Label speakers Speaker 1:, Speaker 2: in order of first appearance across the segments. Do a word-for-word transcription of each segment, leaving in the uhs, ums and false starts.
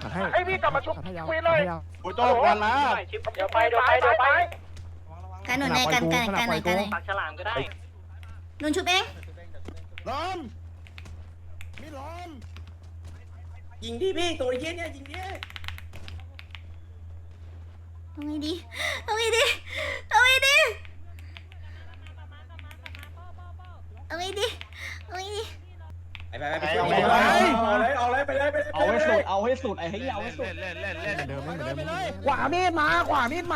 Speaker 1: ให้พี่กลับมาชุบคุยเลยโอ้ยโต้กันมาเดี๋ยวไปเดี๋ยวไปเดี๋ยวไป
Speaker 2: กันหนุนไหนกันกันกันไหนกันไหน
Speaker 1: ปากฉลามก็ได้
Speaker 2: หนุนชุบเอง
Speaker 1: ล้อมไม่ล้อม
Speaker 3: ยิงดิพี่ตัวเย็นเนี่ยยิงดิ
Speaker 2: เอาไงดีเอาไงดีเอาไงดีเอาไงดีเอาไงดี
Speaker 3: ไปไปไปเอาเลยเอาเลยไปเลยไปเลย
Speaker 4: เอาให้สุดเอาให้สุดไอ้เหี้ยเอาให้สุด
Speaker 1: เล่นเล่นเล่นเดิมเหมือนเดิม
Speaker 5: ขวามีดมาขวามีดมา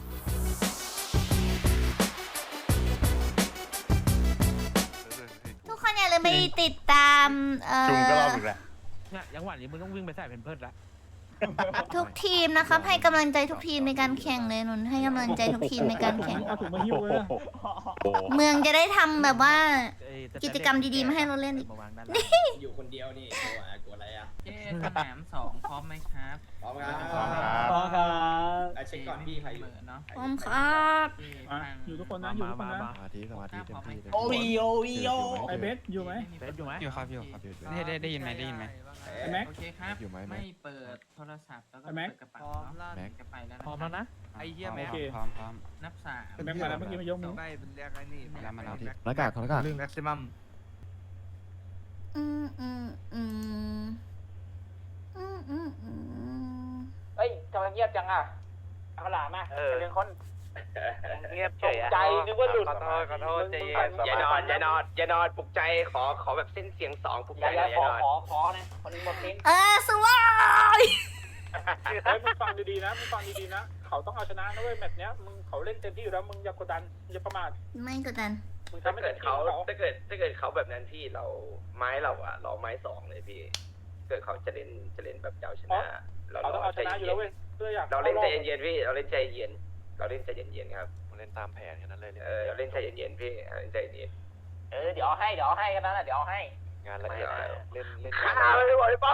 Speaker 2: ทุกคนอย่าลืมไปติดตามเอ่อ
Speaker 1: จุงก็รอบอีกแล้ว
Speaker 6: เนี่ยยังหวานนี้มึงต้องวิ่งไปใส่เพนเพิร์ดละ
Speaker 2: ทุกทีมนะครับให้กำลังใจทุกทีมในการแข่งเลยหนุนให้กำลังใจทุกทีมในการแข่ง
Speaker 5: เอาถุงมาหิ้วเลย
Speaker 2: เมืองจะได้ทำแบบว่า
Speaker 6: เอ้ย
Speaker 2: กิจกรรมดีๆมาให้เราเล่นอีก
Speaker 6: มาวางด้าน
Speaker 3: อยู่คนเดียวนี่กลัวกลัวอะไรอ่ะ
Speaker 7: เจ๊สนามสองพร้อมไหมครับ
Speaker 3: พร้อมครับ
Speaker 4: พอครับ
Speaker 3: เช็คก่อนพี่ใครอยู่
Speaker 7: เนาะ
Speaker 2: พร้อมครับ
Speaker 5: อยู่ทุกคนนะอยู่ทุกคนนะ
Speaker 6: มา
Speaker 1: สมาธิสมาธิเต็มที่
Speaker 4: โอริโอริโอ
Speaker 5: ไอเบสอยู่ไหม
Speaker 6: เบสอยู่ไหม
Speaker 8: อยู่ครับอยู่ครับได้ได้ได้ยินไหมได้ยินไหม
Speaker 5: ไอแม็ก
Speaker 7: โอเคครับไม่เปิดโทรศัพท์แล้วก็เปิดกระเป๋าเนาะจะไปแล้ว
Speaker 6: พร้อมแล้วนะ
Speaker 8: ไอ้เหี้ยแม็กพร้อมพร้อม
Speaker 7: นับสาม
Speaker 5: ไอแม็กมาแล้วเมื่อกี้มายกมือ
Speaker 8: ได้เป็นเรียกไอ้นี่มาแล้วมาแล้ว
Speaker 1: หน้ากากหน้ากาก
Speaker 8: เรื่องแม็กซิมัม
Speaker 2: อืมอืมอืมอืมอืมอืม
Speaker 1: เฮ้ยทำไมเงียบจังอ่ะเอาหลามอ่ะเป็นคนเงียบเฉยใจนึกว่าหลุดขอโทษขอโทษใจเย็นอย่านอนอย่านอนอย่านอนปลุกใจขอขอแบบเส้นเสียงสองปลุกใจอย่านอนขอขอนะคนนึงบอกเส้น
Speaker 2: เออสวาย
Speaker 5: เฮ้ยมึงฟังดีๆนะมึงฟังดีๆนะเขาต้องเอาชนะนะเว้ยแมตช์เนี้ยมึงเขาเล่นเต็มที่อยู่แล้วมึงอย่ากดดันอย่าประมาท
Speaker 2: ไม่กดดัน
Speaker 5: มึง
Speaker 9: ถ้า
Speaker 5: ทำให้
Speaker 9: เกิ
Speaker 5: เต็
Speaker 9: ด
Speaker 5: มที่
Speaker 9: เขา
Speaker 5: เขา
Speaker 9: ถ้าเกิดถ้าเกิดเขาแบบนั้นพี่เราไม้เราอะเราไม้สองเลยพี่ เกิดเขาจะเล่นจะเล่นแบบเจ้าชนะ เรา
Speaker 5: เขาต้องเอาชนะอยู่แล้วเว้ยเพื่ออยาก
Speaker 9: เราเล่นใจเย็นๆพี่เราเล่นใจเย็นเราเล่นใจเย็นๆครับ
Speaker 1: เล่นตามแผนแค่นั้นเลย
Speaker 9: เออเราเล่นใจเย็นๆพี่เล่นใจเย็น
Speaker 1: เออเดี๋ยวให้เดี๋ยวให้กันนะเดี๋ยวให้งานละเอียดเล่นเล่น
Speaker 9: ข้าไม่ไหวป้า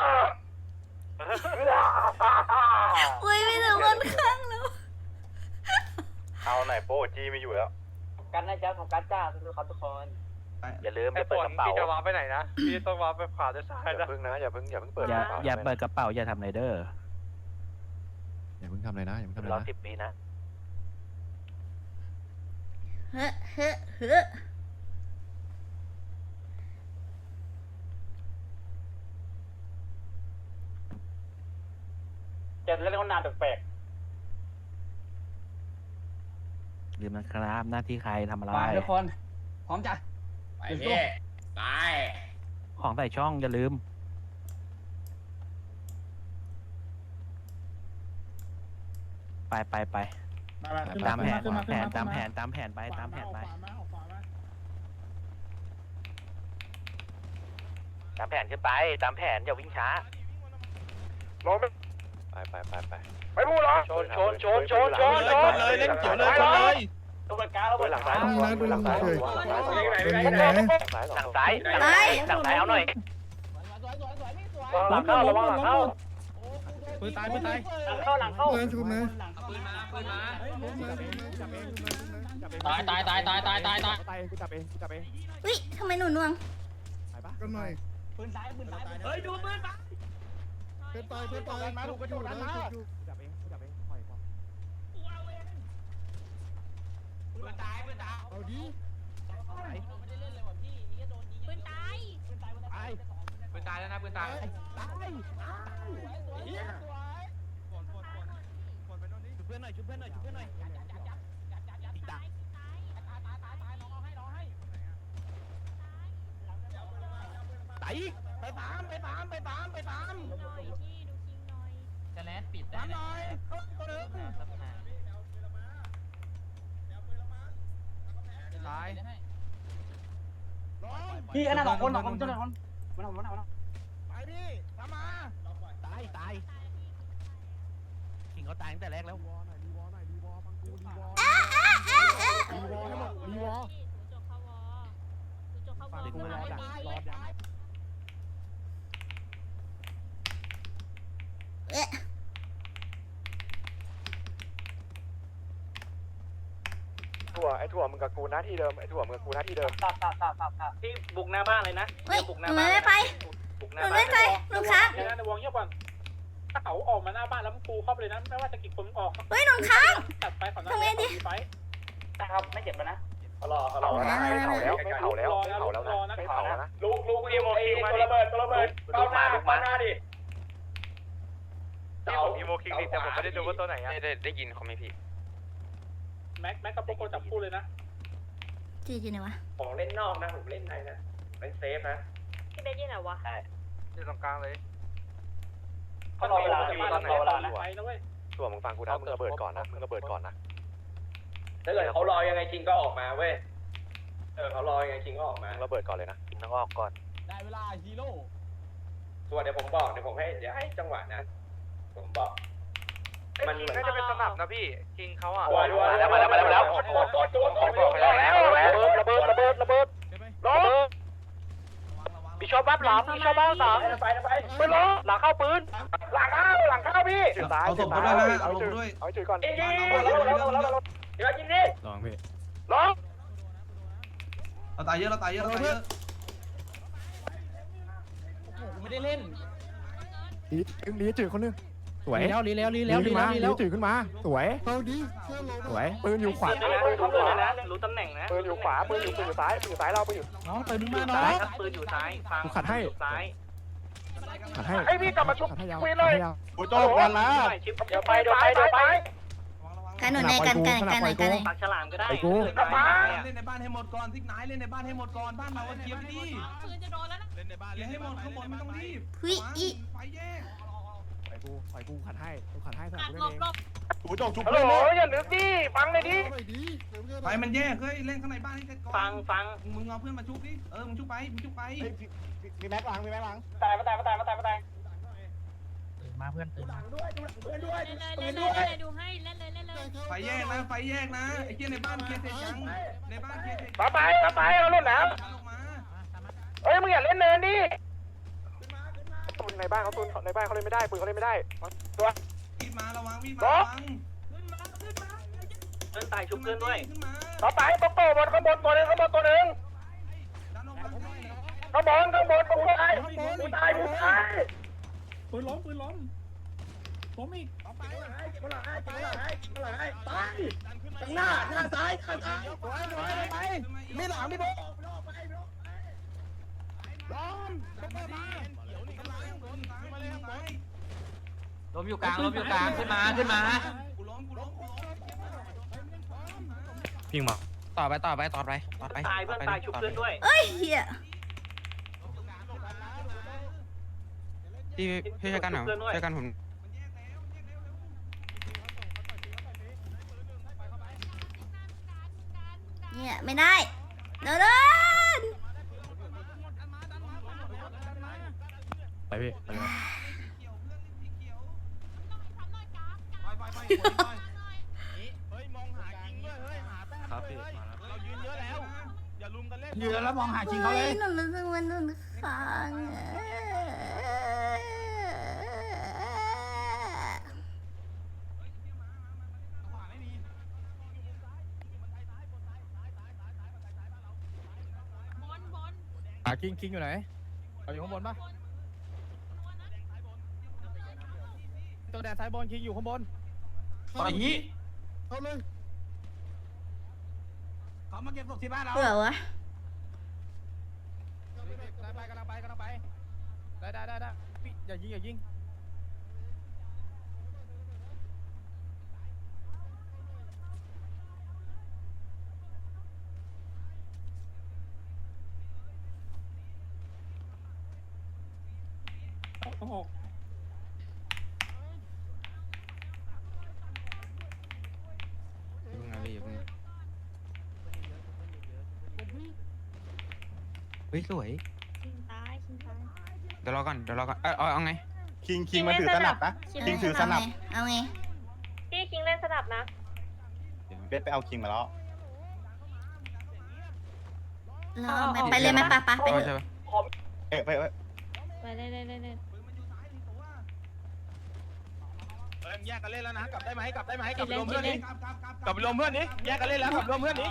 Speaker 2: อุ้ยไม่ถึงคนข้างแล้ว
Speaker 1: เอาไหนโป้จีไม่อยู่แล้ว
Speaker 9: กันนะจ๊ะของกัจจ้าทุกคนทุกคน
Speaker 1: อย่าลืมอย่าเปิดกระเป๋า
Speaker 8: พี่จะวางไปไหนนะพี่ต้องวางไปขวาจะซ้าย
Speaker 1: อย่าเพิ่งนะอย่าเพิ่งอย่าเพิ่งเปิด
Speaker 6: อย่าอย่าเปิดกระเป๋าอย่าทำไรเดอร์
Speaker 1: อย่าเพิ่งทำอะไรนะอย่าเพิ่งทำอะไร
Speaker 9: รอ
Speaker 1: นะ
Speaker 9: สิบปีนะ
Speaker 2: เฮ้เฮ้เฮ้
Speaker 5: จะเล่นคนนานแปลก
Speaker 6: ลืมนะครับหน้าที่ใครทำอะไร
Speaker 4: มาทุกคนพร้อมจ้ะ
Speaker 3: ไปพี่ไป
Speaker 6: ของใส่ช่องอย่าลืม ไปไปไป
Speaker 5: ๆมามาขึ้น
Speaker 6: ตามแผน
Speaker 5: ขึ้นมา
Speaker 6: แผ
Speaker 5: ขึ้น
Speaker 6: น
Speaker 5: มา
Speaker 6: ตามแผนตามแผนไปตามแผนไป
Speaker 5: ขวามาเอาขวามา
Speaker 1: ตามแผนขึ้นไปตามแผนอย่าวิ่งช้า
Speaker 9: ลงไป
Speaker 1: ไปไปไปไป
Speaker 9: ไปพูดเหรอชนชนชนชนชนชน
Speaker 8: เลยเล่นเกี่ยวเลยชนเลย
Speaker 9: ตัวกลางแล้วหลังซ้าย
Speaker 1: ดูหลังซ้าย
Speaker 9: หลังซ้ายหลังซ้ายหลังซ้ายเอาหน่อย
Speaker 5: หลังเข้าระวังหลังเข้า
Speaker 8: ปืนตายปืนตาย
Speaker 9: หลังเข้าหลังเข้า
Speaker 7: ปืนมาปืนมาตายตายตายตายตายตายตาย
Speaker 5: กูจับเองกูจับเอง
Speaker 2: อุ้ยทำไมหนูน่วง
Speaker 5: กันหน่อย
Speaker 4: ปืนซ้ายปืนซ้าย
Speaker 7: เฮ้ยดูปืนมา
Speaker 5: เพื่อนตายเพื่อนตายมาถูกกระโดดมาจับเองกูจับเองปล่อยปล่อย
Speaker 7: ปืนตายปืนตาย
Speaker 5: เอาดิ
Speaker 7: ไม่ได้เล่นเลยว่ะพี่นี่โดนยิงปืนตายปืนตายปืนตายปืนตายแล้วนะปืนตาย
Speaker 6: ชุบเพื่อนหน่อยชุบเพื่อนหน่อยชุบเพื่อนหน่อยไต่ไปตามไปตามไปตามไปตาม
Speaker 7: จะแลดปิดได้หน่อยสักพัก
Speaker 8: ตาย
Speaker 4: พี่อันนั้นสองคนสองคนเจ้าหน้าคนมันเอามันเอามันเอา
Speaker 5: ไปดิทำมา
Speaker 6: ตายตายขิงเขาตายตั้งแต่แรกแล้ว
Speaker 5: วอหน่อยดีวอหน่อยดีวอฟังกูดีวอดีวอให้หมดดีวอ
Speaker 2: ฟัง
Speaker 5: กูรอดักรอดัก
Speaker 2: เอ๊ะ
Speaker 1: ถั่วไอ้ถั่วมึงกับกูหน้าที่เดิมไอ้ถั่วมึงกับกูหน้าที่เดิม
Speaker 9: ตับตับตับตับตับที่บุกหน้าบ้านเลยนะ
Speaker 2: เฮ้ย
Speaker 9: บุกห
Speaker 2: ห
Speaker 9: น้า
Speaker 2: นู
Speaker 9: บ้าน
Speaker 2: ไม่ไป
Speaker 9: บุกห
Speaker 2: ห
Speaker 9: น้า
Speaker 2: นู
Speaker 9: บ้าน
Speaker 2: ไม่ไปหนูค้าง
Speaker 5: เดี๋ยวนะในวงเงียบก่อนถ้าเขาออกมาหน้าบ้านแล้วมึงปูเข้าไปเลยนะไม่ว่าจะกี่คนออก
Speaker 2: เฮ้ยโดนค้าง
Speaker 5: ตัดไปขอหน้า
Speaker 2: ทำไงดี
Speaker 5: ไฟ
Speaker 4: ครับไม่เจ็บแล้วนะ
Speaker 9: เขารอเขารอนะไม่เผาแล้วไม่เผาแล้วไม่เผาแล้วนะไม่เผาแล้วนะลูกลูกเอ็มโอคิงตัวระเบิดตัวระเบิดเป้าหน้าเป้าหน้าดิเต่าอีโมคิงดิแต่ผมไม่ได้ดูว่าตัวไหนอ่ะได้ได้ยินเขาไหมพี่
Speaker 5: แม็กแม็กกับโปโกจับคู่เลยนะ
Speaker 2: จีอยู่ไหนวะ
Speaker 9: ของเล่นนอกนะผมเล่นในนะเล่นเซฟนะ
Speaker 7: พี่เบสยี่ไหนวะ
Speaker 8: ที่ตรงกลางเลย
Speaker 5: เขารอเวลาจะมาแล้วรอเวลาไปนะเว้ย
Speaker 9: ส่วนมึงฟังกูนะมึงระเบิดก่อนนะมึงระเบิดก่อนนะถ้าเกิดเขารอยังไงคิงก็ออกมาเว้ยเออเขารอยังไงคิงก็ออกมาระเบิดก่อนเลยนะต้องออกก่อน
Speaker 4: ได้เวลาฮีโร่
Speaker 9: ส่วนเดี๋ยวผมบอกเดี๋ยวผมให้เดี๋ยวให้จังหวะนะผมบอกมันน่าจะเป็นสนับนะพี่คิงเขาอ่ะมาแล้วมาแล้วมาแล้วมาแล้วระเบิดระเบิดระเบิดระเบิดพี่ชอบบ้าหลังพี่ชอบบ้าหลังไปไปปืนล้อหลังเข้าปืนหลังเข้าหลังเข้าพี่
Speaker 3: เอาศพด้วยนะเอาศพด้วย
Speaker 9: เอาจุดก่อนยิงยิงยิงเดี๋ยวยิงดิ
Speaker 3: ลองพี่
Speaker 9: ล้อ
Speaker 3: เราตายเยอะเราตายเยอะเราตายเยอะ
Speaker 4: ไม่ได้เล่น
Speaker 10: ลีลีจืดคนนึงสวย
Speaker 6: ลีแล้วลีแล้วลีแล้วลีแล้วลี
Speaker 10: ลี
Speaker 6: แล้ว
Speaker 10: จืดขึ้นมาสวยสวยปืนอยู่ขวา
Speaker 9: เขาเลยนะรู้ตำแหน่งนะปืนอยู่ขวาปืนอยู่ปืนอยู่ซ้ายปืนอยู่ซ้ายเราปืนอยู่
Speaker 6: น้องตื่นมาน้อง
Speaker 9: ปืนอยู่ซ้ายฟัง
Speaker 10: ขัดให้
Speaker 9: ซ้าย
Speaker 10: ขัดให้
Speaker 9: ไอพี่กลับมาชุบ
Speaker 10: ขัดให้ยาว
Speaker 9: คุยเลย
Speaker 10: โอ้ยโจบกันละ
Speaker 9: เดี๋ยวไปเดี๋ยวไปเดี๋ยวไป
Speaker 2: กันหนุนในกันกันกันไหนกันไหน
Speaker 9: ปากฉลามก็ได้
Speaker 10: ไอ้กู
Speaker 9: กลับมา
Speaker 3: เล่นในบ้านให้หมดก่อนทิกไหนเล่นในบ้านให้หมดก่อนบ้านเราเคลียร์ไปดิ
Speaker 7: ปืนจะโดนแล้วนะ
Speaker 8: เล่นในบ้าน
Speaker 3: เล่นให้หมดข้างบนไม่ต้องรีบ
Speaker 2: หุยอี
Speaker 3: ไฟแยก
Speaker 10: ไอ้กูไอ้กูขัดให้กูขัดให้ส
Speaker 7: ห
Speaker 10: นับ
Speaker 7: ลับ
Speaker 10: กู
Speaker 7: หล
Speaker 10: เล่น
Speaker 7: บ
Speaker 10: เอง
Speaker 7: หลบ
Speaker 3: กูจบชุบ
Speaker 9: ฮัลโหลอย่านึกดิฟังเลยดิ
Speaker 3: ไฟมันแยกเฮ้ยเล่นข้างในบ้านให้ก่อน
Speaker 9: ฟังฟัง
Speaker 3: มึงเอาเพื่อนมาชุบดิเออมึงชุบไปมึงชุบไป
Speaker 10: มีแม็กหลังมีแม็กหลัง
Speaker 5: ตายมาตายมาตายมาตายมาตาย
Speaker 6: ตื่นมาเพื่อนตื่นมา
Speaker 7: เล่นเลยเล่นเลยเล่นเลยดูให้เล่นเลยเล่นเลย
Speaker 3: ไฟแยกนะไฟแยกนะไอ้เกี้ยในบ้านเคลียร์เสร็จยังในบ้านเคลียร์เสร็จ
Speaker 9: ต่อไปต่อไปเอาลุ่นน้
Speaker 3: ออกมา
Speaker 9: ำเอ้ยมึงอย่าเล่นเนินดิปืนในบ้านเขาปืนในบ้านเขาเล่นไม่ได้ปืนเขาเล่นไม่ได้ตัว
Speaker 3: มีดมาระวังมีดมาระวัง
Speaker 9: เพื่อนตายชุบเพื่อนด้วย
Speaker 3: ขึ้นมา
Speaker 9: ต่อไปโปโก้บนข้างบนตัวหนึงข้างบนตัวหนึ่ง
Speaker 3: ดันออกมา
Speaker 9: ข้างบนข้างบนกูตายกูตายกูตาย
Speaker 5: ปืนล้มปืนล้มล้มอีก
Speaker 3: หน้าหน้าซ้ายข้างซ้ายไปมีหลังมีโบล้อมล้มอยู่กลางล้มอยู่กลางขึ้นมาขึ้นมากูล้มกูล้มกูล้ม
Speaker 10: พิงมา
Speaker 6: ต่อไปต่อไปต่อไปต่อไป
Speaker 9: ตายเพื่อนตายชุบเพื่อนด้วย
Speaker 2: เอ้ยเหี้ย
Speaker 6: พี่พี่ช่วยกันหน่อยช่วยกันผม
Speaker 2: เนี่ยไม่ได้เดินเดิน
Speaker 10: ไปพี่ไปเลย
Speaker 8: เฮ้ยมองหาคิงด้วยเฮ้ยหาแต้ม
Speaker 10: ครับ
Speaker 8: ด้
Speaker 10: พี่
Speaker 8: วย
Speaker 10: มาแล้ว
Speaker 8: เรายืนเยอะแล้วอย่าลุมกันเล่น
Speaker 4: ยืนแล้วมองหาคิงเขาเลย
Speaker 2: หนูรู้สึกว่าหนูค้างอะ
Speaker 7: บนบน
Speaker 10: อ่ะคิงคิงอยู่ไหนเอาอยู่ข้างบนปะตัวแดนซ้ายบนคิงอยู่ข้างบน
Speaker 4: ต่อยงี้
Speaker 10: เข้าเลย
Speaker 4: เขามาเก็บศพที่บ้านเรา
Speaker 2: เบื่อวะ
Speaker 10: ไปกำลังไปกำลังไปได้ได้ได้ได้พี่อย่ายิงอย่ายิง
Speaker 5: โอ้โห
Speaker 6: เฮ้ยสวย
Speaker 7: คิงตายคิงตาย
Speaker 6: เดี๋ยวรอก่อนเดี๋ยวรอก่อนเออเอาไง
Speaker 3: คิงคิงมาถือสนับนะคิงถือสนับ
Speaker 2: เอาไง
Speaker 7: พี่คิงเล่นสนับนะ
Speaker 3: เบสไปเอาคิงมาแล้ว
Speaker 2: เราไปไปเลยไหมปะปะไป
Speaker 6: เอา
Speaker 2: เถ
Speaker 6: ใช่
Speaker 2: อะ
Speaker 6: ปะ
Speaker 3: เอ๊ะไปไป
Speaker 7: ไปเล่นเล่นเล่นเล่น
Speaker 8: เฮ้ยแยกกันเล่นแล้วนะกลับได้ไหมกลับได้ไหมกลับไป
Speaker 7: เล่
Speaker 8: ร
Speaker 7: น
Speaker 8: วมเพื่อน
Speaker 7: เล่
Speaker 8: นี้
Speaker 7: น
Speaker 8: กลับไปรวมเพื่อนนี้แยกกันเล่นแล้วกลับรวมเพื่อนนี้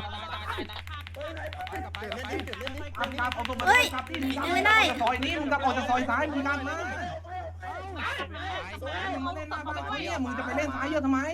Speaker 2: เฮ้ยยังไม่ได้
Speaker 3: ซอยนี้มึงกลับออกจากซอยซ้ายมึงกันนะ
Speaker 2: เ
Speaker 3: ล่นหน้าบ้านเขาเนี่ยมึงจะไปเล่นซ้ายเยอะทำไม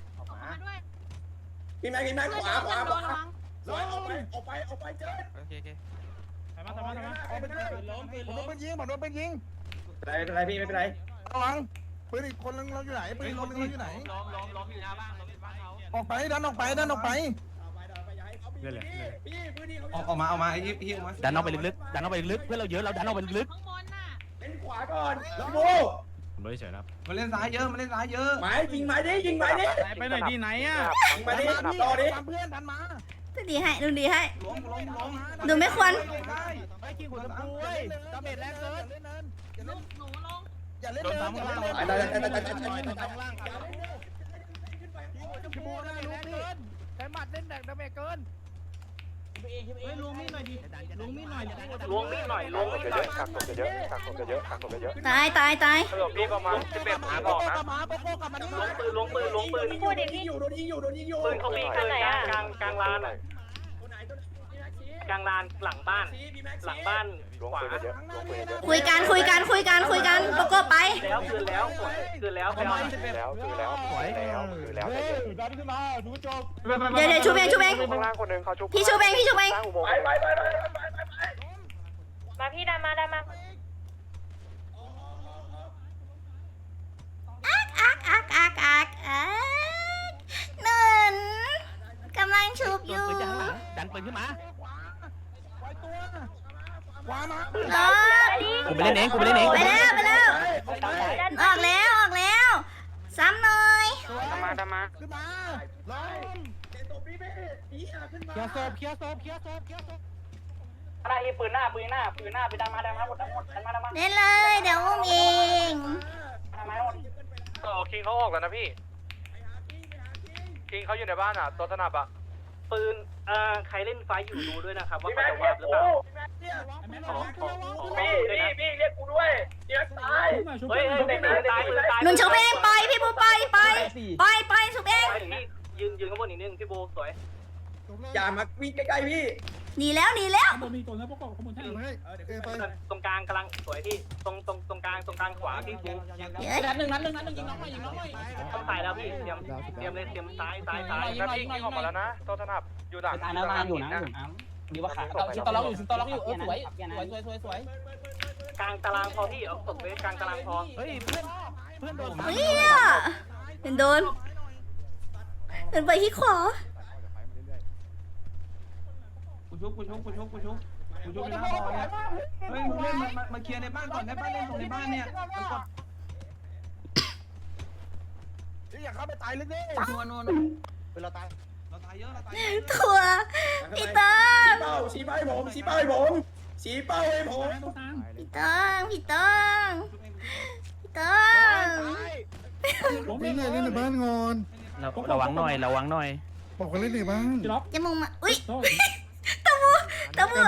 Speaker 10: พี่แม็กพี่แม็กขวาขวาขวา
Speaker 3: ร้อยออกไปออกไปออกไปเจอ
Speaker 6: โอเคโอเค
Speaker 10: ทำมาทำมาทำมา
Speaker 3: ออกไปเจอล้มผมโดนปืนยิงผมโดนปืนยิง
Speaker 10: ไม่เป็นไรพี่ไม่เป็นไร
Speaker 3: ระวังปืนอีกคนนึงเราอยู่ไหนปืนอีกคนนึงเราอยู่ไหน
Speaker 1: ล้มล้มล้มอยู่หน้าบ้านล้มอยู่บ้านเขา
Speaker 3: ออกไปดันออกไปดันออกไป
Speaker 10: เล่นเลย
Speaker 3: ออกออกมาออกมาไอ้ยิบยิบมา
Speaker 6: ดันออกไปลึกๆดันออกไปลึกๆเพื่อนเราเยอะเราดันออกไปลึก
Speaker 7: ข้างบนน่ะ
Speaker 10: เล่นขวาก่อนพี่โบ
Speaker 4: ผมไม่เฉยนะ
Speaker 3: มาเล่นซ้ายเยอะมาเล่นซ้ายเยอะ
Speaker 10: หมายยิงหมายดิยิงหมายดิ
Speaker 4: ไปหน่อยดีไหนอ่ะ
Speaker 10: ยิงหมายดิรอดิ
Speaker 3: ตามเพื่อนทันมา
Speaker 2: ดูดีให้ดูดีให้
Speaker 3: ล้มล้มล้ม
Speaker 2: ดูไม่ควร
Speaker 6: ๆไอ้ขี้หัวตะปูเว้ยดาเมจแรงเกิน
Speaker 7: ลูกหนูลง
Speaker 3: อย่าเล่น
Speaker 6: โดน
Speaker 3: เลย
Speaker 6: ตามข้างล่าง
Speaker 10: ไปได้ได้ได้ได้ได้
Speaker 6: โดนตามข้างล่าง
Speaker 3: พี่บูนะลูกพี่
Speaker 10: ใช้หมัดเล่นแดกดาเมจเกิน
Speaker 4: เฮ้ยลงมีดหน่อยดิลงมีดหน่อย
Speaker 1: ล้วงมีดหน่อยล้วงมีดหน่อย
Speaker 9: กักศพเยอะกักศพเยอะกักศพเยอะ
Speaker 2: ตายตายตาย
Speaker 1: สรุปพี่ประมาณสิบเอ็ดหาบอกนะ
Speaker 3: มาโปโก้กลับมาดิ
Speaker 1: ล้วงปืนล้วงปืนล้วงปืน
Speaker 10: พูดดิพี่อยู่โดนยิงอยู่โดนยิงอยู่
Speaker 1: ปืนเขามีเกินกลางกลางกลางลานอ่ะกลางลานหลังบ้าน หลังบ้าน
Speaker 9: ล้วง
Speaker 1: ขวา
Speaker 9: ปืนเยอะล้วงปืนเยอะ
Speaker 2: คุยกันคุยกันคุยกันคุยกันโกโก้ไป
Speaker 1: แล้วคืนแล้วคืนแล้วไปเอา
Speaker 9: แล้วคือแล้วแล้วคือแล้วใจเย็น
Speaker 3: ดันขึ้นมาดูจบ
Speaker 2: เดี๋ยวเดี๋ยวชูเบงชูเบง
Speaker 9: ข้างล่างคนหนึ่งเขาชุบ
Speaker 2: พี่ชูเบงพี่ชูเบง
Speaker 9: สร้างอุโมงค์
Speaker 10: ไปไปไปไปไปไป
Speaker 7: มาพี่ดันมาดันมา
Speaker 2: อักอักอักอักอักอักหนึ่งกำลังชุบ
Speaker 6: โด
Speaker 2: อน ยู่
Speaker 6: ปืนจากข้างหลังดันปืนขึ้นมา
Speaker 3: ไว้ตัวขวามา
Speaker 2: รอ
Speaker 6: กูไปเล่นเองกูไปเล่นเอง
Speaker 2: ไปแล้วไปแล้วออกแล้วออกแล้วซ้ำหน่อย
Speaker 1: ทำมาทำมา
Speaker 3: ขึ้นมาล้ม
Speaker 10: เจ็บตัวพี่พี่พี่ขึ้นมา
Speaker 6: เคลียร์ศพเคลียร์ศพเคลียร์ศพเคลียร์ศพ
Speaker 1: อะไรปืนหน้าปืนหน้าปืนหน้าไปดันมาดันมาหมดดันหมดดันมาดันมา
Speaker 2: เล่นเลยเดี๋ยวอุ้มเอง
Speaker 1: ดันมาหมดโอ้คิงเขาออกแล้วนะพี่คิงเขาอยู่ในบ้านอ่ะตัวสนับอ่ะปืนเอ่อใครเล่นไฟอยู่ดูด้วยนะครับว่าเขาจะวาบหรือเปล่าขอขอขอพี่พี่พี่เรียกกูด้วยเรียกตายเฮ้ยเฮ้ยปืนตายปืนตาย
Speaker 2: หนุนชูเบงปล่อยพี่บูปล่อยปล่อยปล่อยปล่อยชูเบง
Speaker 1: พี่ยืนยืนข้างบนอีกนิดนึงพี่โบสวย
Speaker 10: อย่ามาวิ่งใกล้ๆพี่
Speaker 2: หนีแล้วหนีแล้ว
Speaker 5: ข้างบนมีตัวแล้วพวกกข้างบนใช่
Speaker 1: ตรงกลางกำลังสวยพี่ตรงตรงตรงกลางตรงกลางขวาพี่บู
Speaker 2: เฮ้ย
Speaker 10: นัดหนึ่งนัดหนึ่งนัดหนึ่งยิงน้องหน่อยยิงน้องหน่อย
Speaker 1: ต้องตายแล้วพี่เตรียมเตรียมเลยเตรียมซ้ายซ้ายซ้ายแล้วพี่ออกมาแล้วนะตัวสนับอยู่หลัง
Speaker 10: ตายนะตายอยู่นะอยู่นะดีว่าขาชิตอล็อกอยู่ชิตอล็อกอยู่เออสวยสวยสวยสวยสวย
Speaker 1: กลางตารางพอพี่เอาตกไปกลางตารางพอ
Speaker 6: เฮ้ยเพื่อนเพื่อนโดน
Speaker 2: เฮ้ยเนี่ยเป็นโดนเป็นไปที่ขวา
Speaker 3: กูชุบกูชุบกูชุบกูชุบกูชุบไปหน้าบอลเนี่ยเฮ้ยมึงเล่นมามาเคลียร์ในบ้านก่อนได้บ้านเล่นตรงในบ้านเนี่ยมันกดอยากเข้าไปตายลึกดินัวนัวนัวเราตายเราตายเยอะเราตาย
Speaker 2: ถั่วพี่เติ้ง
Speaker 10: เป้าชี้เป้าให้ผมชี้เป้าให้ผมชี้เป้าให้ผม
Speaker 2: พี่เติ้งพี่เติ้งพี่เติ้ง
Speaker 3: นี่ไงเล่นในบ้านงอน
Speaker 6: ระวังหน่อยระวังหน่อย
Speaker 3: บอกกันเล่นในบ้าน
Speaker 2: จะมุงมาอุ้ยตะมูตะมู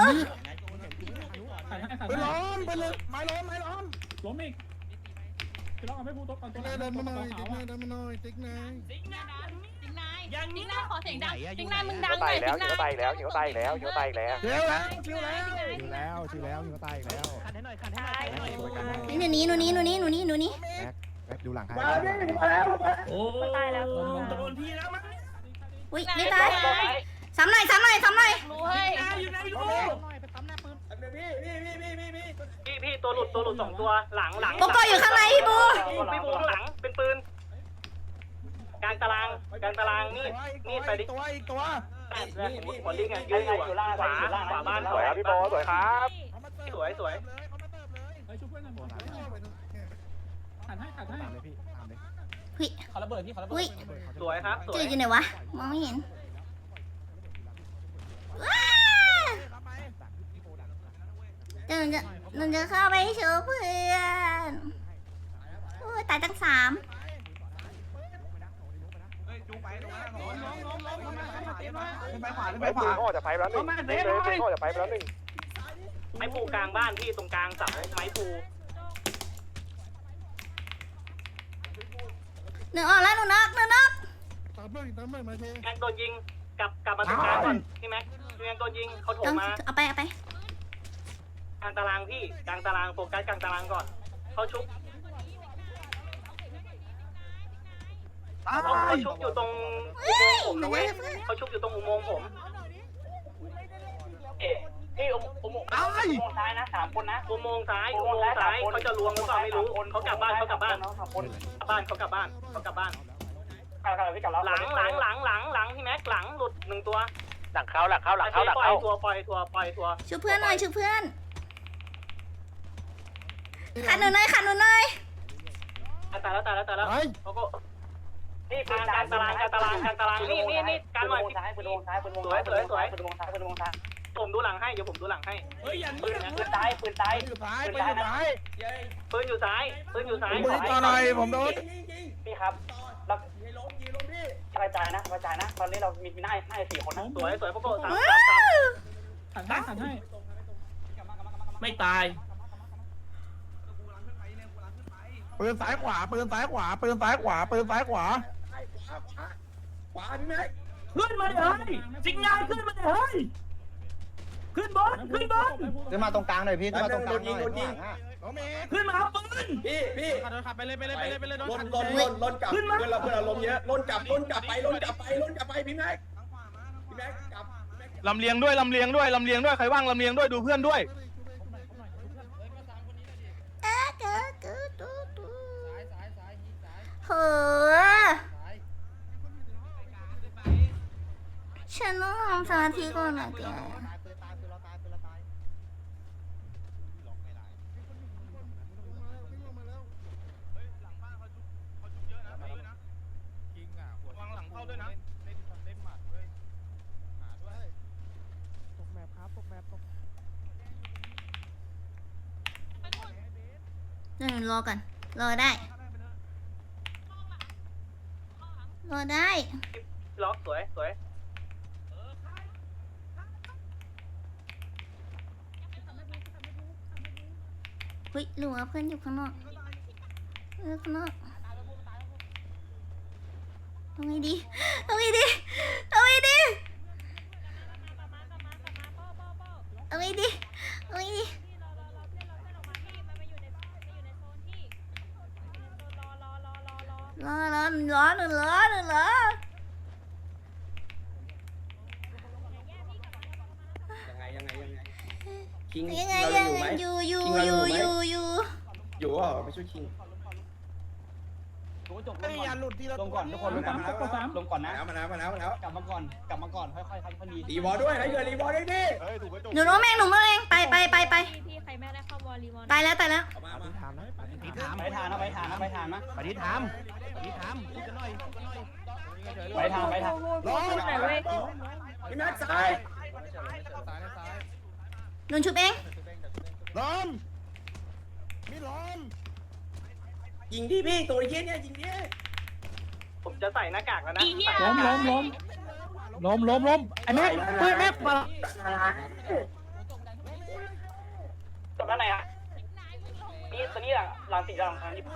Speaker 3: ไปล้อมไปเลยไม้ล้อมไม้ล้อม
Speaker 5: ล้มอีกจะต้องเอาไม่พูดตัวก่อนตัว
Speaker 3: เดินมาหน่อยติ๊กนายเดินมาหน่อยติ๊กนาย
Speaker 7: ติ๊งนายติ๊งนายติ๊งนายขอเสียงดังติ๊งนายมึง
Speaker 9: หิ
Speaker 7: ดั
Speaker 9: ว
Speaker 7: งหน่
Speaker 9: ตา
Speaker 7: อย ย
Speaker 9: แล้ว
Speaker 7: ติ๊ง
Speaker 9: หิ
Speaker 7: นา
Speaker 9: วย ตายแล้วหิวตายแล้วหิวตายแล้ว
Speaker 3: เร็วแล้วชิวแล้ว
Speaker 10: ชิวแล้วชิวแล้วหิวตายอีกแล้ว
Speaker 6: ขันให้หน่อยขันให้หน่อย
Speaker 2: นี่หนูนี้หนูนี้หนูนี้หนูนี้หนูนี้
Speaker 10: ดูหลังให้มาแล้วพี่มาแล้วมา
Speaker 5: โอ้
Speaker 7: ตายแล้ว
Speaker 5: โดนพี่แล้วมั้ง
Speaker 2: อุ้ยไม่ตายซ้ำหน่อยซ้ำหน่อยซ้ำหน่อย
Speaker 7: รู้เฮ้ย
Speaker 5: อยู่ไหนลูก
Speaker 10: ไปปั๊มหน้าปืนพี่พี่พี่พี่พี่พี่
Speaker 1: พี่พี่ตัวหลุดตัวหลุดสองตัวหลังหลัง
Speaker 2: โกโก้อยู่ข้างในพี่บู
Speaker 1: พี่บูหลังเป็นปืนกลางตารางกลางตารางนี่นี่ไปดิ
Speaker 3: ตัวอีกตัว
Speaker 1: นี่นี่บอลลิงอ่ะยืนอยู่ขวาขวาบ้าน
Speaker 9: สวยครับพี่โบสวยครับ
Speaker 1: สวยสวย
Speaker 5: เฮ้ยช่วยเพื่อนกันขันให้ขันให้
Speaker 10: ตามเลยพี่ตามเลย
Speaker 2: หุ้ย
Speaker 10: เขาระเบิดพี่เขาระเบิด
Speaker 2: อุ้ย
Speaker 1: สวยครับสว
Speaker 2: จื
Speaker 1: ย
Speaker 2: ดอยู่ไหนวะมองไม่เห็นว้าเดี๋ยวหนูจะหนูจะเข้าไปช่วยเพื่อนโอ้ยตายตั้งสาม
Speaker 3: เฮ้ยจูไปตรงนั้นล้มล้มล้มล้มไปขวาไป
Speaker 9: ไป
Speaker 3: ข
Speaker 9: ปื
Speaker 3: วาน
Speaker 9: ออกจากไฟแล้วหนึ่งเลยปืนออกจากไฟแล้วหนึ่ง
Speaker 1: ไม้ปูกลางบ้านพี่ตรงกลางเสาไม้ปู
Speaker 2: หนูออกแล้วหนูนอกหนูนอก
Speaker 3: ตามเลยตามเลยมาเท
Speaker 1: แม็กโดนยิงกลับกลับมาตรงกลางก่อนพี่แม็กพี่แม็กโดนยิงเขาโถ
Speaker 2: ต้อง
Speaker 1: มมา
Speaker 2: เอาไปเอาไป
Speaker 1: กลางตารางพี่กลางตารางโฟกัสกลางตารางก่อนเขาชุบเขาเขาชุบอยู่ตรงอุโมงค์ผมนะเว้ยเขาชุบอยู่ตรงอุโมงค์ผมเอ๊ะนี่อุอุโมงค์อุโมงค์ซ้ายนะสามคนนะอุโมงค์ซ้ายอุโมงค์ซ้ายเขาจะรวมหรือเปล่าไม่รู้เขากลับบ้านเขากลับบ้านกลับบ้านเขากลับบ้านเขากลับบ้านหลังหลังหลังหลังหลังพี่แม็กหลังหลุดหนึ่งตัวหลังเขาหลังเขาหลังเขาหลังเขาปล่อยทัวปล่อยทัวปล่อยทัว
Speaker 2: ช่วยเพื่อนหน่อยช่วยเพื่อนขันหนูหน่อยขันหนูหน่อย
Speaker 1: ตายแล้วตายแล้วตายแล้วเขาก็นี่การการตารางการตารางการตารางนี่นี่นี่การหน่อยซ้ายปืนวงซ้ายปืนวงสวยสวยสวยปืนวงซ้ายปืนวงซ้ายผมดูหลังให้เดี๋ยวผมดูหลังให้เฮ้ยอย่าปืนปืนซ้ายปืนซ้ายปืนอยู่ซ้ายปืนอยู่ซ้ายปืนอยู่ซ้ายปืนอยู่ซ้าย
Speaker 10: ผมต่อหน่อยผมโดน
Speaker 1: พี่ครับเรากระจายนะกระจายนะตอนนี้เรามีหน้าหน้าสี่คนนะสวยสวยพวกโก้สามสามสาม
Speaker 5: หันให้หันให้
Speaker 4: ไม่ตาย
Speaker 10: ปืนซ้ายขวาปืนซ้ายขวาปืนซ้ายขวาปืนซ้ายขวาขวาพี่แม็ก
Speaker 4: ขึ้นมาเดี๋ยวเฮ้ยสิงงานขึ้นมาเดี๋ยวเฮ้ยขึ้นบนขึ้นบน
Speaker 10: ขึ้นมาตรงกลางหน่อยพี่ขึ้นมาตรงกลางหน่อย
Speaker 4: ขึ้นมาเอาปืน
Speaker 8: พี่พี่
Speaker 10: ขับไปเลยไปเลยไปเลยไปเลย
Speaker 8: ล้นล้นล้นล้นกลับ
Speaker 4: ขึ้นมา
Speaker 8: เพื่อนเราเพื่อนเราลมเยอะล้นกลับล้นกลับไปล้นกลับไปล้นกลับไปพี่แม็กพี่แม็กกลับ
Speaker 9: ลำเลียงด้วยลำเลียงด้วยลำเลียงด้วยใครว่างลำเลียงด้วยดูเพื่อนด้วย
Speaker 2: เอ๊ะเก๋เก๋ดูดูโหฉันต้องทำสมาธิก่อนนะแก
Speaker 9: วางหลังเข้าด้วยนะ
Speaker 2: เดี๋ยวหนูรอก่อนรอได้รอได้
Speaker 1: ล็อกสวยสวย
Speaker 2: เฮ้ยหรือว่าเพื่อนอยู่ข้างนอกเออข้างนอกเอาไงดีเอาไงดีเอาไงดีเอาไงดีเอาไงดีรอรอหนึ่งรอหนึ่งรอหนึ่งรอ
Speaker 8: ยังไงยังไงยังไงคิง
Speaker 2: ยังไง
Speaker 8: เรา
Speaker 2: ยัง
Speaker 8: อยู่ไหม
Speaker 2: อยู่อยู่
Speaker 8: คิงเรา
Speaker 2: อ
Speaker 8: อยู่ ยู่ไหม
Speaker 2: อยู่อยู่
Speaker 8: อยู่อ่ะไปช่วยคิง
Speaker 10: ไอ้ยันหลุดที่เรา
Speaker 5: ลงก่อนทุกคนลงก่อนลงก่อนนะ
Speaker 8: มาแล้วมาแล้วมาแล้ว
Speaker 5: กลับมาก่อนกลับมาก่อนค่อยๆค่อยๆดี
Speaker 8: รีวอลด้วยนะเกิดรีวอลด้วยดิ
Speaker 2: หนูน้องแมงหนูน้องแมงไปไปไปไป
Speaker 7: พี่ใครไม่ได้เข้าวอลลีวอล
Speaker 2: ตายแล้วตายแล้ว
Speaker 8: มามา
Speaker 6: ถามนะปฏิถาม
Speaker 5: ไปทางนะไปทางนะไปทางนะ
Speaker 6: ปฏิถามปฏิถามพูดกันหน่อยพูดกันหน่อย
Speaker 5: ไปทางไปทาง
Speaker 8: ล้มพี่แม็กซ้าย
Speaker 2: หนูชุบเอง
Speaker 10: ล้อมมีล้อม
Speaker 8: ยิงดิพี่ตัวเย็นเนี่ยยิงดิ
Speaker 1: ผมจะใส่หน้ากากแล้วนะ
Speaker 10: ล้มล้มล้มล้มล้มล้มไอ้แม็กเฮ้ยแม็กมา
Speaker 1: จบด้านไหนอ่ะนี่ตัวนี้หลังหลังสีหลังทางนี้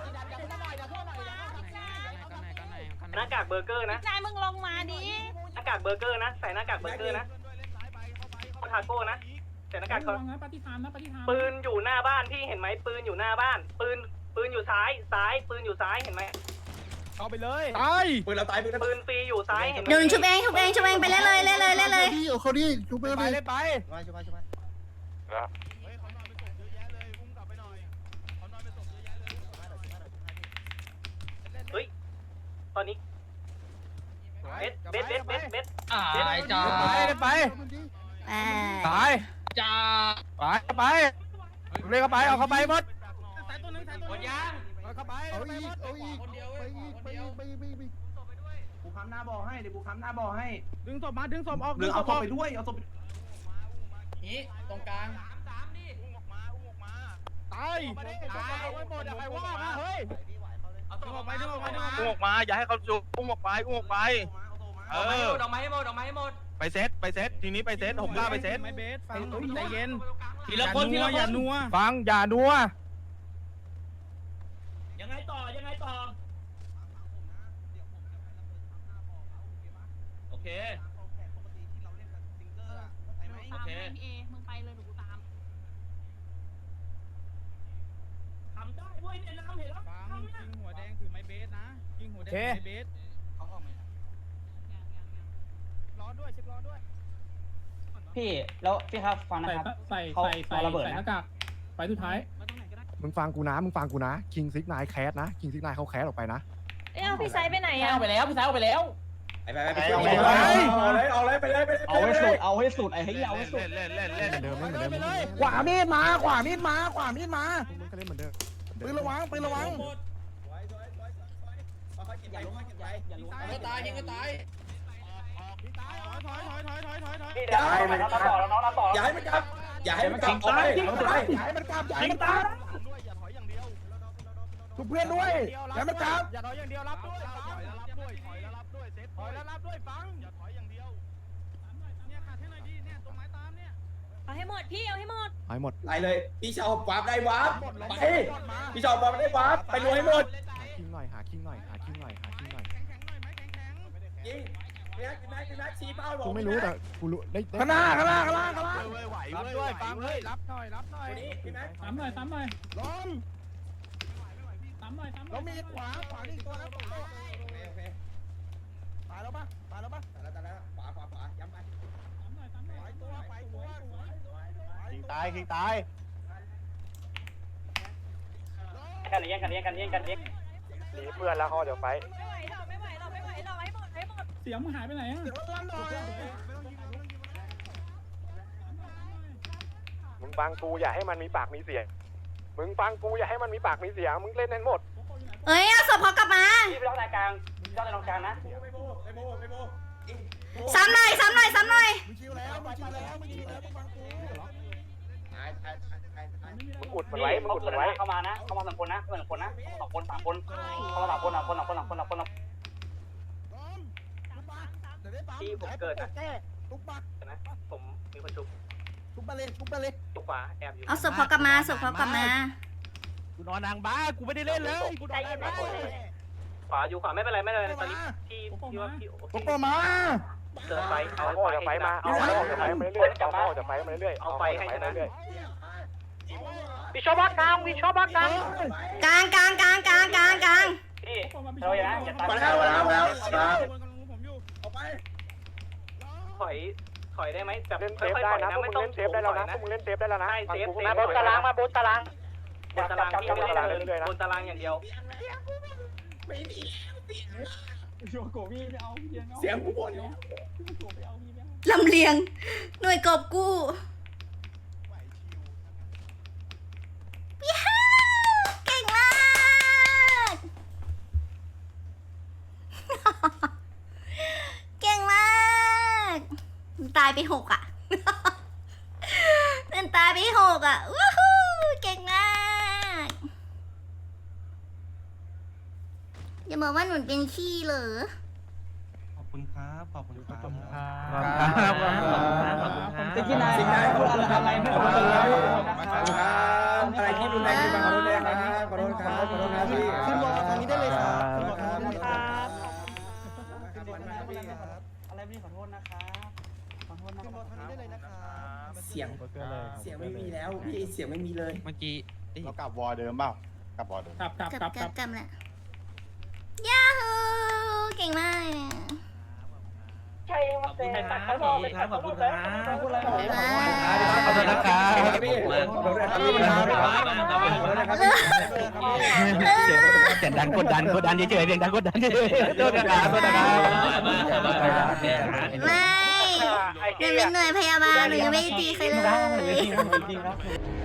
Speaker 1: หน้ากากเบอร์เกอร์นะ
Speaker 7: นายมึงลงมาดิ
Speaker 1: หน้ากากเบอร์เกอร์นะใส่หน้ากากเบอร์เกอร์นะทาโก้นะใส่หน้ากาก
Speaker 5: ระวังนะปฏิทานนะปฏิทาน
Speaker 1: ปืนอยู่หน้าบ้านพี่เห็นไหมปืนอยู่หน้าบ้าน ปืนปืนอยู่ซ้ายซ้ายปืนอยู่ซ้ายเห็นไหม
Speaker 10: เข้าไปเลย
Speaker 9: ตาย
Speaker 8: ปืนเราตายปืนเรา
Speaker 1: ปืนฟรีอยู่ซ้ายเห็นไหม
Speaker 2: เดี๋ยวหนูชุบเองชุบเองชุบเองไปเล่นเลยเล่นเลยเล่นเลย
Speaker 10: พี่เอาเขาดิชุบไปเลยไป
Speaker 8: ไปช่วยไปช่วยไป
Speaker 1: เฮ้ยตอนนี้เบสเบสเบสเบสเบส
Speaker 6: ตายจ้า
Speaker 10: ไปไป
Speaker 2: ไป
Speaker 10: ตาย
Speaker 6: จ้า
Speaker 10: ไปไปเรียกเข้าไปเอาเข้าไปหมด
Speaker 6: หมดยัง
Speaker 10: เอาเข้าไปเอาอีกเอาอีกไปอีกไปอีกไปอีกไปอีก
Speaker 3: กูค้ำหน้าบ่อให้เดี๋ยวกูค้ำหน้าบ่อให้
Speaker 10: ดึงศพมาดึงศพออก
Speaker 3: หรือเอาศพไปด้วยเอาศพไป
Speaker 5: นี้ตรงกลาง
Speaker 10: ตายเอาไว้หมดใครว่ามาเฮ้ยดึงออกไปดึงออกไปดึงออก
Speaker 9: อุ้มออกมาอย่าให้เขาจุกอุ้มออกไปอุ้มออกไปเออ
Speaker 6: ดอกไม้ให้หมดดอกไม้ให้หมด
Speaker 9: ไปเซตไปเซตทีนี้ไปเซตผมกล้าไปเซต
Speaker 10: ไม่เบสฟังใจเย็น
Speaker 6: ทีละคนทีละคน
Speaker 10: อย่านัว
Speaker 9: ฟังอย่านัว
Speaker 4: ยังไงต่อยังไงต่อโอเคโอเค
Speaker 7: เอมึงไปเลยหนูตาม
Speaker 4: ทำได้เว้ยเนี่ยน้ำเห็นแล้ว
Speaker 10: ฟังยิงหัวแดงถือไม้เบสนะยิงหัวแดงถือไม้เบส
Speaker 1: พี่แล้วพี่ครับฟังนะ
Speaker 5: ใส่
Speaker 1: ครับ
Speaker 5: ใส่
Speaker 1: เขา
Speaker 5: ใส่ใส่
Speaker 1: เอาระเบิด
Speaker 5: ใส่
Speaker 1: นะ
Speaker 5: หน้ากากไปสุดท้าย
Speaker 10: มึงฟังกูนะมึงฟังกูนะคิงซิกนายแคสนะคิงซิกนายเขาแคสออกไปนะ
Speaker 7: เอ้าพี่ไซไปไหน
Speaker 1: พี่
Speaker 7: อ่ะ
Speaker 1: เอาไปแล้วพี่สาวเอาไปแล้ว
Speaker 8: ไปไปไปเอาเลยเอาเลยไปเลยไปเลย
Speaker 1: เอาให้สุดเอาให้สุดไอ้เฮ้ยเอาให้สุด
Speaker 6: เล่นเล่นเล่น
Speaker 10: เหมือนเดิมเหมือนเดิม
Speaker 4: ขวามีดมาขวามีดมาขวามีดมา
Speaker 10: มึงก็เล่นเหมือนเดิม
Speaker 4: ปืนระวังปืนระวัง
Speaker 8: ค่อยๆกินไปค่อยๆกินไป
Speaker 1: ไม่ตายยิงไม่ตาย
Speaker 8: อย่าให้มันกลับอย่าให้มันกลับอย่าให้มันกลับออกไปออกไป
Speaker 4: อย่าให้มันกลับอย่าให้มันกลับทุกเพื่อนด้วยอย่าให้มันกลับ
Speaker 6: อย่าถอยอย่างเดียวรับด้วยถอยแล้วรับด้วยถอยแล้วรับด้วยเซตถอยแล้วรับด้วยฟังอย่าถอยอย่างเดียวเนี่ยขาดให้หน่อยดิเนี่ยตรงไม้ตามเนี่ย
Speaker 7: เอาให้หมดพี่เอาให้หมด
Speaker 10: หายหมด
Speaker 8: ไล่เลยพี่ชาววาร์ปได้วาร์ปไปพี่ชาววาร์ปได้วาร์ปไปรวยให้หมด
Speaker 10: หาคิงหน่อยหาคิงหน่อยหาคิงหน่อยหาคิงหน่อย
Speaker 6: แข็งแข็งหน่อยไหมแข็งแข็ง
Speaker 8: ยิงพี่นักพี่นักพี่นักชี้เป้าบอก
Speaker 10: กูไม่รู้แต่กูรู้ได้
Speaker 4: ข้างหน้าข้างหน้าข้างหน้าข้างหน้า
Speaker 6: ไหวรับด้วยฟังเฮ้ยรับหน่อยรับหน่อย
Speaker 8: นี้พี่นัก
Speaker 5: ตามหน่อยตามหน่อย
Speaker 4: ล้ม
Speaker 5: ตามหน่อยตามหน่
Speaker 4: แล้
Speaker 5: อ
Speaker 4: วย มีขวาขวานี่ตัวนะ
Speaker 8: โอเคโอเค
Speaker 4: ตายแล้วปะตายแล้วปะ
Speaker 8: ตายแล้วตายแล้วขวาขวาขวาย้ำไป
Speaker 5: ตามหน่อยตามหน่อย
Speaker 4: ไปตัวไปตัวสวยสวยสวย
Speaker 6: คิงตายคิงตาย
Speaker 1: กันเลี้ยงกันเลี้ยงกันเลี้ยงกันเลี้ยง
Speaker 9: หนีเพื่อนแล้วเขาเดี๋ยวไฟ
Speaker 7: ไม่ไหวหรอกไม่ไหวหรอกไม่ไหวหรอกให้หมดให้หมด
Speaker 5: เสียงมึงหายไปไหนอ่ะ
Speaker 4: เดี๋ยวลั่นหน่อย
Speaker 9: มึงฟังกูอย่าให้มันมีปากมีเสียงมึงฟังกูอย่าให้มันมีปากมีเสียงมึงเล่นให้หมด
Speaker 2: เอ้ยเอาศพเขากลับมา
Speaker 1: พี่ไปล็อกในกลางพี่ล็อกในตรงกลางนะ
Speaker 8: ไม่โบไม่โบไม่โบ
Speaker 2: ซ้ำหน่อยซ้ำหน่อยซ้ำหน่อย
Speaker 4: มึงชิวแล้วมึงชิวแล้วมึงชิวแล้วมึงฟังกู
Speaker 8: ตายตายตายตายตาย
Speaker 9: มึงอุดมันไว้มึงอุดมันไว้
Speaker 1: เข้ามานะเข้ามาสองคนนะเข้ามาสองคนนะสองคนสามคนเข้ามาสามคนสามคนสามคนสามคนสามคน
Speaker 4: ล้มลุกมาเดี๋ยวได้ปั๊ม
Speaker 1: ที่ผมเกิดนะ
Speaker 4: แก้ลุกมา
Speaker 1: นะผมมีคนชุบ
Speaker 4: ลุกมาเลยลุกมาเลย
Speaker 1: ตุกขวาแอบอยู่
Speaker 2: เอาศพเขากลับมาศพเขากลับมา
Speaker 6: กูนอนนางบ้ากูไม่ได้เล่นเลยกูนอนนางบ้า
Speaker 1: ขวาอยู่ขวาไม่เป็นไรไม่เป็นไรตอนนี้ที่ที่ว่าพี่
Speaker 4: ลุกมามา
Speaker 1: เกิดไฟเอา
Speaker 9: เอาออกจากไฟมาเอาออกจากไฟมาเรื่อยๆเอาออกจากไฟมาเรื่อยๆ
Speaker 1: เอาไฟให้ชนะ
Speaker 9: เรื่อย
Speaker 1: วิชอบักกลางวิชอบักกลาง
Speaker 2: กลางกลางกลางกลางกลางกลาง
Speaker 1: พี่เราอย่าอย่าตัด
Speaker 8: มาแล้วมาแล้วมาแล้วมาแล้วออกไป
Speaker 1: ถอยถอยได้ไหมแบบ
Speaker 9: ๆเล่นเซ
Speaker 1: ค่
Speaker 9: ฟ
Speaker 1: อย
Speaker 9: ได้
Speaker 1: ๆถอย
Speaker 9: นะ
Speaker 1: นะ
Speaker 9: พวก
Speaker 1: ไม่
Speaker 9: มึง
Speaker 1: ต้อง
Speaker 9: เล่นเซฟได้แล้วนะพวกมึงเล่นเซฟได้แล้วนะ
Speaker 1: ใช่เซฟ
Speaker 9: ฟังกู
Speaker 1: เซฟ
Speaker 9: นะบนตารางมาบนตาราง
Speaker 1: บนตารางที่ไม่ได้เดินบนตารางอย่างเดียว
Speaker 8: ไม่มี
Speaker 5: โยโกพี่ไม่เอาพี่เดียงเอา
Speaker 8: เสียงกูหมดแล้ว
Speaker 5: ไม่เอาพี่ไม่เอา
Speaker 2: ลำเลียง หน่วยกอบกู้ย้าวเก่งมาก เก่งมากมันตายไปหกอ่ะ มันตายไปหกอ่ะวู้ฮู้เก่งมากอย่าบอกว่าหนูเป็นขี้เหรอ
Speaker 3: ขอบคุณครับขอบคุณครับ
Speaker 4: ขอบคุณครับ
Speaker 1: จะกินอะไร
Speaker 8: สิ่งใด
Speaker 1: พูดอะไรไม่
Speaker 8: ขอ
Speaker 1: รู้
Speaker 8: โทษ
Speaker 1: เล
Speaker 8: ครับ
Speaker 1: ย
Speaker 8: อะไรที่รุนแรงที่มาขอโทษด้วยครับขอโทษครับขอโทษครับพี่
Speaker 4: ขึ้นบนทางนี้ได้เลยครับขึ้นบนทางนี้ได้เลยครับ
Speaker 1: อะไรไม่ขอโทษนะครับขอโทษนะ
Speaker 4: ขึ้นบนทางนี้ได้เลยนะครับ
Speaker 8: เสียงเสียงไม่มีแล้วพี่เสียงไม่มีเลย
Speaker 6: เมื่อกี้
Speaker 10: เรากลับวอเดิมเปล่ากลับวอเดิม
Speaker 5: กลับกลับ
Speaker 2: ก
Speaker 5: ก
Speaker 2: ลั
Speaker 5: ลั
Speaker 2: บบ ก
Speaker 5: ก
Speaker 2: ลั
Speaker 5: ลั
Speaker 2: บบ กลับแหละยาฮูเก่งมาก
Speaker 1: ใช่มาเตะขอโทษครับขอบคุณครับพูดอะไร
Speaker 2: ขอบคุณครับ
Speaker 6: ขอบคุณนะครับ
Speaker 8: พี่ขอโทษนะครับพี่ขอโทษนะครับพี่
Speaker 6: เสียงดังกดดันกดดันเฉยๆเสียงดังกดดันเฉยๆโทษนะครับโทษนะครับ
Speaker 2: ไม่หนูเป็นหน่วยพยาบาลหนูยังไม่ได้ตีใครเลย
Speaker 1: จริงครับ